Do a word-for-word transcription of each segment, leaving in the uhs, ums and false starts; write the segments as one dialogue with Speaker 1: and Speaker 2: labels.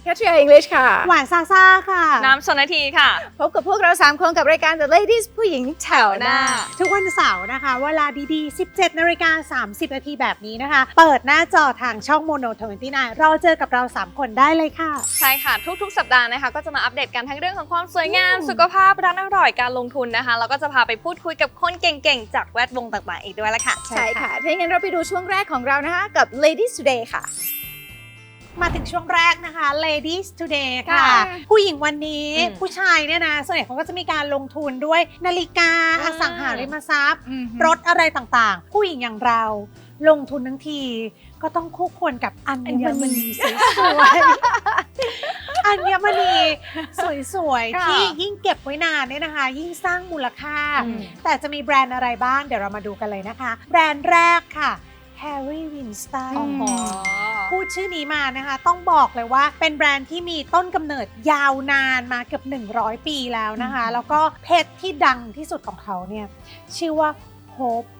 Speaker 1: คัทริยา English ค่ะ
Speaker 2: หวานซาซ่าค่ะ
Speaker 3: น้ำชนทีค่ะ
Speaker 1: พบกับพวกเราสามคนกับรายการ The Ladies ผู้หญิงแถวหน้า
Speaker 2: ทุกวันเสาร์นะคะเวลาดีๆ สิบเจ็ดนาฬิกาสามสิบนาทีแบบนี้นะคะเปิดหน้าจอทางช่อง Mono ยี่สิบเก้ารอเจอกับเราสามคนได้เลยค่ะ
Speaker 3: ใช่ค่ะทุกๆสัปดาห์นะคะก็จะมาอัปเดตกันทั้งเรื่องของความสวยงามสุขภาพร้านอร่อยการลงทุนนะคะแล้วก็จะพาไปพูดคุยกับคนเก่งๆจากแวดวงต่างๆอีกด้วยละค่ะ
Speaker 1: ใช่ค่ะถ้าอย่างนั้นเราไปดูช่วงแรกของเรานะคะกับ Ladies Today ค่ะ
Speaker 2: มาถึงช่วงแรกนะคะ Ladies Today ค่ะผู้หญิงวันนี้ผู้ชายเนี่ยนะส่วนใหญ่เขาก็จะมีการลงทุนด้วยนาฬิกาอสังหาริมทรัพย์รถอะไรต่างๆผู้หญิงอย่างเราลงทุนทั้งทีก็ต้องคู่ควรกับอัญมณีสวยๆอัญมณีสวยๆที่ยิ่งเก็บไว้นานเนี่ยนะคะยิ่งสร้างมูลค่าแต่จะมีแบรนด์อะไรบ้างเดี๋ยวเรามาดูกันเลยนะคะแบรนด์แรกค่ะ Harry Winston พูดชื่อนี้มานะคะต้องบอกเลยว่าเป็นแบรนด์ที่มีต้นกำเนิดยาวนานมาเกือบหนึ่งร้อยปีแล้วนะคะแล้วก็เพชรที่ดังที่สุดของเขาเนี่ยชื่อว่า Hope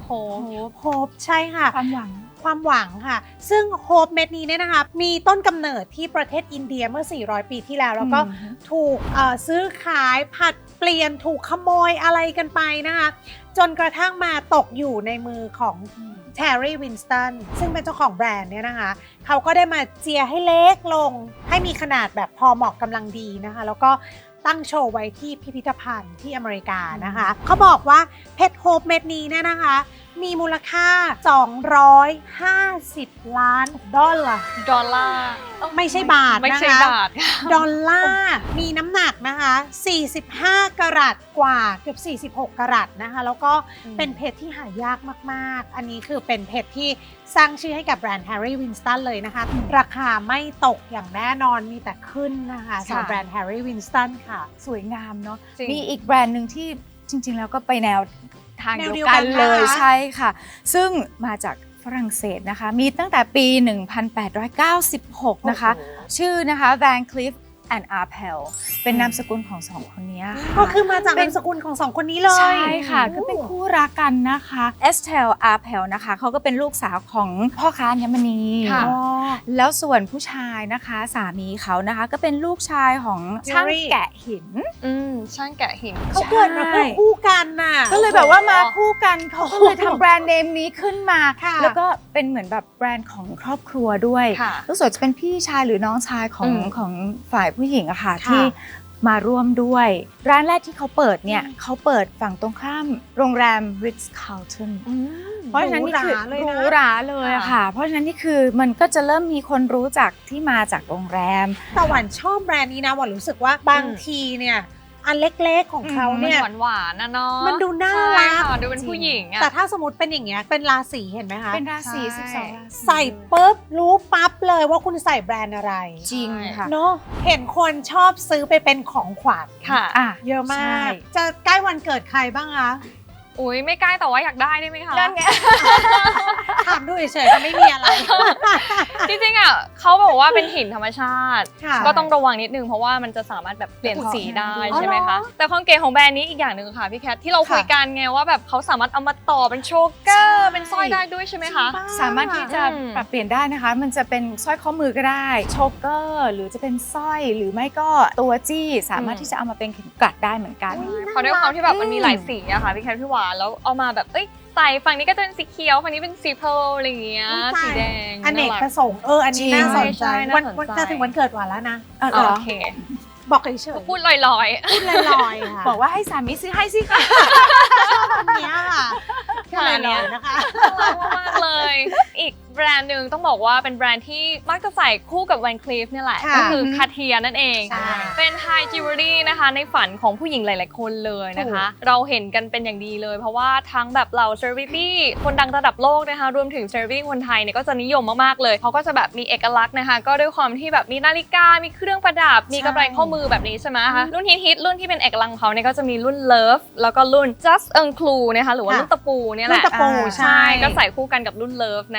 Speaker 2: Hope Hope ใช่ค่ะ
Speaker 1: ความหวัง
Speaker 2: ความหวังค่ะซึ่ง Hope เม็ดนี้เนี่ยนะคะมีต้นกำเนิดที่ประเทศอินเดียเมื่อสี่ร้อยปีที่แล้วแล้วก็ถูกซื้อขายผัดเปลี่ยนถูกขโมยอะไรกันไปนะคะจนกระทั่งมาตกอยู่ในมือของHarry Winston ซึ่งเป็นเจ้าของแบรนด์เนี่ยนะคะเขาก็ได้มาเจียให้เล็กลงให้มีขนาดแบบพอเหมาะกำลังดีนะคะแล้วก็ตั้งโชว์ไว้ที่พิพิธภัณฑ์ที่อเมริกานะคะเขาบอกว่าเพชรโฮปเม็ดนี้เนี่ยนะคะมีมูลค่าสองร้อยห้าสิบล้านดอลลาร์
Speaker 3: ดอลลาร์
Speaker 2: ไม่ใช่บาทนะคะ
Speaker 3: ไม่ใช่บาท
Speaker 2: ดอลลาร์มีน้ำหนักนะคะสี่สิบห้ากะรัตกว่าเกือบสี่สิบหกกะรัตนะคะแล้วก็เป็นเพชรที่หายากมากๆอันนี้คือเป็นเพชรที่สร้างชื่อให้กับแบรนด์ Harry Winston เลยนะคะราคาไม่ตกอย่างแน่นอนมีแต่ขึ้นนะคะสำหรับแบรนด์ Harry Winston ค่ะ
Speaker 1: สวยงามเนาะมีอีกแบรนด์หนึ่งที่จริงๆแล้วก็ไปแนวทางเดียวกันเลย ใช่ค่ะซึ่งมาจากฝรั่งเศสนะคะมีตั้งแต่ปี หนึ่งพันแปดร้อยเก้าสิบหก นะคะชื่อนะคะ Van Cleef and Arpels เป็นนามสกุลของสองคนนี้ค่ะ
Speaker 2: ก็คือมาจากนามสกุลของสองคนนี้เลย
Speaker 1: ใช่ค่ะก็เป็นคู่รักกันนะคะ Estelle Arpels นะคะเขาก็เป็นลูกสาวของพ่อค้าอัญมณีแล้วส่วนผู้ชายนะคะสามีเขานะคะก็เป็นลูกชายของช่างแกะหิน
Speaker 3: อืมช่างแกะหิน
Speaker 2: เขาเกิดมาคู่กันน่ะ
Speaker 1: ก็เลยแบบว่ามาคู่กันเขาก็เลยทำแบรนด์เนมนี้ขึ้นมาแล้วก็เป็นเหมือนแบบแบรนด์ของครอบครัวด้วยรู้สึกจะเป็นพี่ชายหรือน้องชายของของฝ่ายผู้หญิงอะค่ะที่มาร่วมด้วยร้านแรกที่เขาเปิดเนี่ยเขาเปิดฝั่งตรงข้ามโรงแรม Ritz Carlton เพราะฉะนั้นนี่คือหรูหราเลยอะค่ะเพราะฉะนั้นนี่คือมันก็จะเริ่มมีคนรู้จักที่มาจากโรงแรม
Speaker 2: แต่หวานชอบแบรนด์นี้นะหวานรู้สึกว่าบางทีเนี่ยอันเล็กๆของเขาเนี่ย
Speaker 3: หวานๆนะเนาะ
Speaker 2: มันดูน่ารัก
Speaker 3: ดูเป็นผู้หญิงอะ
Speaker 2: แต่ถ้าสมมติเป็นอย่างเงี้ยเป็นราศีเห็นไหมคะ
Speaker 1: เป็นราศีสิบสองราศี
Speaker 2: ใส่ปุ๊บรู้ปั๊บเลยว่าคุณใส่แบรนด์อะไร
Speaker 1: จริงค่ะ
Speaker 2: เนาะเห็นคนชอบซื้อไปเป็นของขวัญ
Speaker 3: ค่ะ
Speaker 2: เยอะมากจะใกล้วันเกิดใครบ้างคะ
Speaker 3: อุ้ยไม่ใกล้แต่ว่าอยากได้ได้ไหมคะ
Speaker 1: นั่นไง
Speaker 2: ถามดูเฉยๆก็ไม่มีอะไร
Speaker 3: จริงๆอ่ะเขาบอกว่าเป็นหินธรรมชาติก็ต้องระวังนิดนึงเพราะว่ามันจะสามารถแบบเปลี่ยนสีได้ใช่ไหมคะแต่ความเก๋ของแบรนด์นี้อีกอย่างหนึ่งค่ะพี่แคทที่เราคุยกันไงว่าแบบเขาสามารถเอามาต่อเป็นโชว์เกอร์เป็นสร้อยได้ด้วยใช่ไหมคะ
Speaker 1: สามารถที่จะปรับเปลี่ยนได้นะคะมันจะเป็นสร้อยข้อมือก็ได้โชว์เกอร์หรือจะเป็นสร้อยหรือไม่ก็ตัวจี้สามารถที่จะเอามาเป็นเข็มกลัดได้เหมือนกัน
Speaker 3: เพราะด้วยความที่แบบมันมีหลายสีอะค่ะพี่แคทพี่หวานแล้วเอามาแบบเอ้ยใส่ฝั่งนี้ก็จะเป็นสีเขียวฝั่งนี้เป็นสีเพลอะไรอย่างเงี้ยสีแดง
Speaker 2: อเนกประสงค์เอออันนี้น่าสนใจวันวันจะถึงวันเกิดหวานแล้วนะ
Speaker 3: โอเค
Speaker 2: บอกเฉย
Speaker 3: ๆพูดลอย
Speaker 2: ๆพูดลอยๆค่ะ
Speaker 1: บอกว่าให้สามีซื้อให้สิค่ะ
Speaker 2: อันนี้ค่ะ
Speaker 3: ค่ะเนี่ยนะคะมากเลยอีกแบรนด์หนึ่งต้องบอกว่าเป็นแบรนด์ที่มักจะใส่คู่กับ Van Cleef นี่แหละก็คือ Cartier นั่นเองเป็น High Jewelry นะคะในฝันของผู้หญิงหลายๆคนเลยนะคะเราเห็นกันเป็นอย่างดีเลยเพราะว่าทั้งแบบเหล่า Celebrity คนดังระดับโลกนะคะรวมถึง Celebrity คนไทยเนี่ยก็จะนิยมมากๆเลยเขาก็จะแบบมีเอกลักษณ์นะคะก็ด้วยความที่แบบมีนาฬิกามีเครื่องประดับมีกำไรข้อมือแบบนี้ใช่ไหมคะรุ่นฮิตๆรุ่นที่เป็นเอกลักษณ์ของเขาเนี่ยก็จะมีรุ่น Love แล้วก็รุ่น Just Enclou นะคะหรือว่ารุ่นตะปูเนี่ยแหละ
Speaker 2: รุ่นตะปูใช่
Speaker 3: ก็ใส่คู่กันกับรุ่น Love นะคะ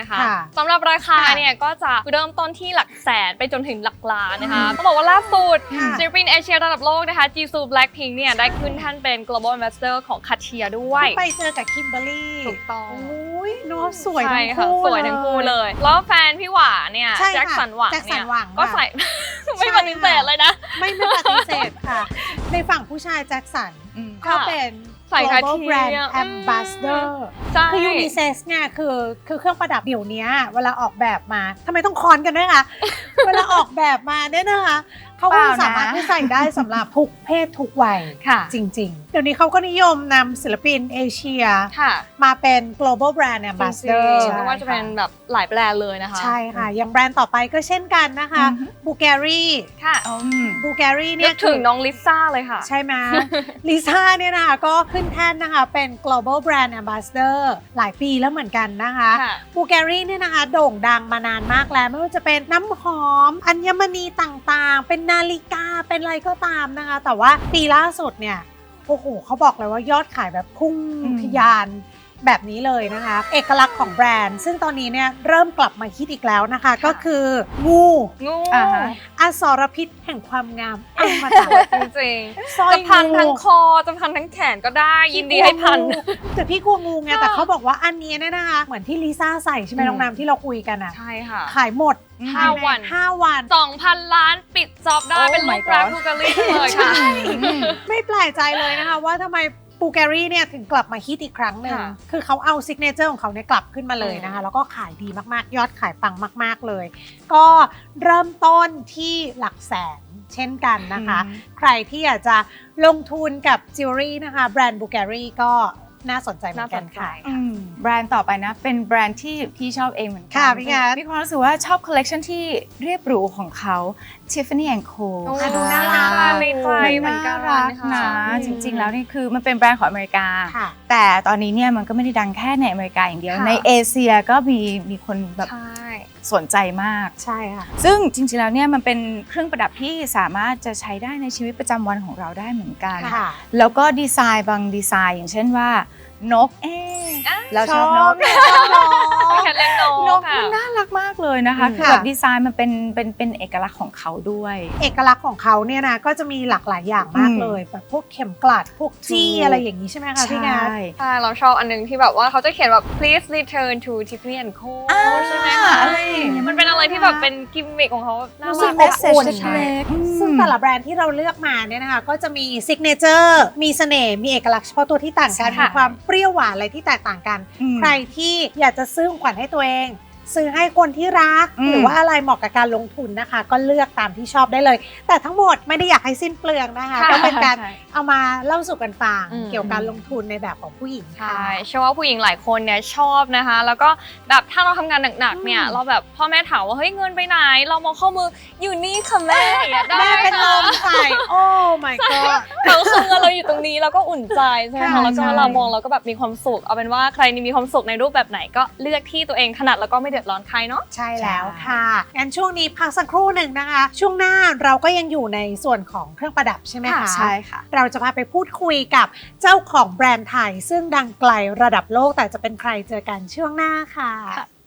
Speaker 3: สำหรับราคาเนี่ยก็จะเริ่มต้นที่หลักแสนไปจนถึงหลักล้านนะคะต้องบอกว่าล่าสุดศิลปินเอเชียระดับโลกนะคะ Jisoo Blackpink เนี่ยได้ขึ้นท่านเป็น global ambassador ของ Cartier ด้วย
Speaker 2: ไปเจอกับคิมเบอร์รี่
Speaker 3: ถูกต้อง
Speaker 2: โอ้ยน้องสวยทั้ง
Speaker 3: ใช่ค่ะ
Speaker 2: คู่
Speaker 3: สวยทั้งคู่เลย แล้วแฟนพี่หวาเนี่ย
Speaker 2: ใช่ค่ะ
Speaker 3: แจ็คสันหวัง
Speaker 2: แจ็คสั
Speaker 3: เนี่
Speaker 2: น
Speaker 3: ย
Speaker 2: หวัง
Speaker 3: ก็
Speaker 2: ค่ะ
Speaker 3: ใส่ ไม่ปฏิเสธเลยนะ
Speaker 2: ไม่ไม่ปฏิเสธค่ะ ในฝั่งผู้ชายแจ็คสัน
Speaker 1: อืม
Speaker 2: ก็เป็น
Speaker 3: ใส่
Speaker 2: global
Speaker 3: Cartier
Speaker 2: brand
Speaker 3: อืม
Speaker 2: ambassador
Speaker 3: ใช่
Speaker 2: คือยูนิเซ็กซ์เนี่ยคือคือเครื่องประดับเดี๋ยวนี้เวลาออกแบบมาทำไมต้องคอนกันด้วยคะ เวลาออกแบบมาเนี่ยนะคะเขาก็
Speaker 1: เปล่านะ
Speaker 2: สามารถที่ใส่ได้สำหรับทุกเพศทุกวัย
Speaker 3: ค่ะ
Speaker 2: จริงๆ เดี๋ยวนี้เขาก็นิยมนำศิลปินเอเชีย
Speaker 3: ค่ะ
Speaker 2: มาเป็น global brand
Speaker 3: จริ
Speaker 2: ambassador
Speaker 3: งๆไม่ว่าจะเป็นแบบหลายแบรนด์เลยนะคะ
Speaker 2: ใช่ค่ะ อย่างแบรนด์ต่อไปก็เช่นกันนะคะ
Speaker 1: อือฮึ
Speaker 2: บูแกรี่
Speaker 3: ค่ะ
Speaker 1: อืม
Speaker 2: บูแกรี่
Speaker 3: นึ
Speaker 2: เนี่ย
Speaker 3: กถึงน้องลิซ่าเลยค่ะ
Speaker 2: ใช่ไหม ลิซ่าเนี่ยนะคะก็ขึ้นแท่นนะคะเป็น global brand ambassador หลายปีแล้วเหมือนกันนะคะ
Speaker 3: ค่ะ
Speaker 2: บูแกรี่เนี่ยนะคะโด่งดังมานานมากแล้ว ไม่ว่าจะเป็นน้ำหอม อัญมณีต่างๆ เป็นนาฬิกาเป็นอะไรก็ตามนะคะ แต่ว่าปีล่าสุดเนี่ยโอ้โหเขาบอกเลยว่ายอดขายแบบพุ่ง
Speaker 1: อืม
Speaker 2: ทะยานแบบนี้เลยนะคะ เอกลักษณ์ของแบรนด์ ซึ่งตอนนี้เนี่ยเริ่มกลับมาฮิตอีกแล้วนะคะ ก็คืองู
Speaker 3: งู
Speaker 1: อ่าฮะ
Speaker 2: อสรพิษแห่งความงามอมตะ
Speaker 3: จริง
Speaker 2: สร้อ
Speaker 3: ๆ
Speaker 2: ย
Speaker 3: จะพัน
Speaker 2: งู
Speaker 3: ทั้งคอจะพันทั้งแขนก็ได้ยินดีให้พัน
Speaker 2: แต่พี่กลัวงูไง
Speaker 3: ค่ะ
Speaker 2: แต่เขาบอกว่าอันนี้เนี่ยนะคะเหมือนที่ลิซ่าใส่ใช่ไหม
Speaker 1: อืม
Speaker 2: น้องน้ำที่เราคุยกันอ่ะ
Speaker 3: ใช่ค่ะ
Speaker 2: ขายหมด
Speaker 3: ห้าวัน
Speaker 2: ห้าวัน
Speaker 3: สองพันล้านปิดจ็อบได้
Speaker 1: Oh
Speaker 3: เป็นลู
Speaker 1: my
Speaker 3: กรัก
Speaker 1: God
Speaker 3: บูการีเลยค่ะ
Speaker 2: ไม่แปลกใจเลยนะคะว่าทำไมบูแกรี่เนี่ยถึงกลับมาฮิตอีกครั้งหนึ่ง
Speaker 3: ค่ะ
Speaker 2: คือเขาเอาซิกเนเจอร์ของเขาเนี่ยกลับขึ้นมาเลยนะคะ
Speaker 3: อืม
Speaker 2: แล้วก็ขายดีมากๆ ยอดขายปังมาก ๆเลย ก็เริ่มต้นที่หลักแสนเช่นกันนะคะ
Speaker 1: อืม
Speaker 2: ใครที่อยากจะลงทุนกับจิวเวลรี่นะคะแบรนด์บูแกรี่ก็น่าสนใจเหมือนกันค่ะ
Speaker 1: อืมแบรนด์ต่อไปนะเป็นแบรนด์ที่พี่ชอบเองเหมือนกั
Speaker 2: ค่ะพี่งัด
Speaker 1: มีความรู้สึกว่าชอบคอลเลกชันที่เรียบหรูของเขา Tiffany แอนด์ Co
Speaker 3: โอ้
Speaker 1: ค่ะ
Speaker 3: ดูน่ารักมากในใจเหมือนกัน
Speaker 1: น่ารัก
Speaker 3: ค่ะ
Speaker 1: นะจริงๆแล้วนี่คือมันเป็นแบรนด์ของอเมริกา
Speaker 2: ค่ะ
Speaker 1: แต่ตอนนี้เนี่ยมันก็ไม่ได้ดังแค่ในอเมริกาอย่างเดียว
Speaker 3: ค่ะ
Speaker 1: ในเอเชียก็มีมีคนแบบ
Speaker 3: ใช่
Speaker 1: สนใจมาก
Speaker 2: ใช่ค่ะ
Speaker 1: ซึ่งจริงๆแล้วเนี่ยมันเป็นเครื่องประดับที่สามารถจะใช้ได้ในชีวิตประจำวันของเราได้เหมือนกัน
Speaker 2: ค่ะ
Speaker 1: แล้วก็ดีไซน์บางดีไซน์อย่างเช่นว่านกเอ๊ะ
Speaker 3: อ่ะ
Speaker 1: เราชอบนก
Speaker 2: ชอบนก
Speaker 3: แคทเลี้ยงน
Speaker 1: น
Speaker 3: ก
Speaker 1: ก
Speaker 3: ค่ะ
Speaker 1: มันน่ารักมากเลยนะคะ
Speaker 2: อืม
Speaker 1: คือแบบดีไซน์มันเป็นเป็นเป็นเอกลักษณ์ของเขาด้วย
Speaker 2: เอกลักษณ์ของเขาเนี่ยนะก็จะมีหลากหลายอย่างมาก
Speaker 1: อืม
Speaker 2: เลยแบบพวกเข็มกลัดพวกจี้
Speaker 1: ถูก
Speaker 2: อะไรอย่างนี้ใช่ไหมคะพี่งา
Speaker 1: ใช่
Speaker 3: ใช่เราชอบอันนึงที่แบบว่าเขาจะเขียนแบบ please return to Tiffany แอนด์ Co
Speaker 1: อ่า
Speaker 3: ใช่ไหมคะ
Speaker 1: อะไรอย่างเงี้ย
Speaker 3: มันเป็นอะไรที่แบบเป็นกิมมิคของเขาน่า
Speaker 2: รู้สึ
Speaker 3: รั
Speaker 2: ก
Speaker 3: ก
Speaker 2: เมสเซจ
Speaker 3: อบอุ่น
Speaker 1: เล็กๆอืม
Speaker 2: ซึ่งแต่ละแบรนด์ที่เราเลือกมาเนี่ยนะคะก็จะมีซิกเนเจอร์มีเสน่ห์มีเอกลักษณ์เฉพาะตัวที่ต่างกัน
Speaker 1: ใช่
Speaker 2: มี
Speaker 1: ค่ะ
Speaker 2: ความเปรี้ยวหวานอะไรที่แตกต่างกัน
Speaker 1: อืม
Speaker 2: ใครที่อยากจะซื้อของขวัญให้ตัวเอง ซื้อให้คนที่รัก
Speaker 1: อืม
Speaker 2: หรือว่าอะไรเหมาะกับการลงทุนนะคะ ก็เลือกตามที่ชอบได้เลย แต่ทั้งหมดไม่ได้อยากให้สิ้นเปลืองนะคะ
Speaker 3: ค่ะ
Speaker 2: ก็เป็นการ
Speaker 1: ใช่
Speaker 2: เอามาเล่าสู่กันฟัง
Speaker 3: อืม
Speaker 2: เกี่ยวกับการลงทุนในแบบของผู้หญิงค่ะ
Speaker 3: ใช่เชื่อว่าผู้หญิงหลายคนเนี่ยชอบนะคะ แล้วก็แบบถ้าเราทำงานหนักๆเนี่ย
Speaker 2: อืม
Speaker 3: เราแบบพ่อแม่ถามว่าเฮ้ยเงินไปไหน เรามองข้อมืออยู่นี่ค่ะแม่อย่างเงี้ยได้
Speaker 2: แม่เป็นล
Speaker 3: ค่ะ
Speaker 2: มใส่โอ้ my god
Speaker 3: เราคือเงินเราอยู่ตรงนี้เราก็อุ่นใจใช่ไหม
Speaker 2: ใช่
Speaker 3: คะแล้วก็
Speaker 1: ใช่
Speaker 3: เรามองเราก็แบบมีความสุขเอาเป็นว่าใครนี่มีความสุขในรูปแบบไหนก็เลือกที่ตัวเองถนัดแล้วก็ไม่เดือดร้อนใครเนาะ
Speaker 2: ใช่แล้วค่ะงั้นช่วงนี้พักสักครู่หนึ่งนะคะ ช่วงหน้าเราก็ยังอยู่ในส่วนของเครื่องประดับใช่ไหมคะ
Speaker 1: ใช่ค่ะ
Speaker 2: เราจะพาไปพูดคุยกับเจ้าของแบรนด์ไทย ซึ่งดังไกลระดับโลกแต่จะเป็นใครเจอกันช่วงหน้าค่ะ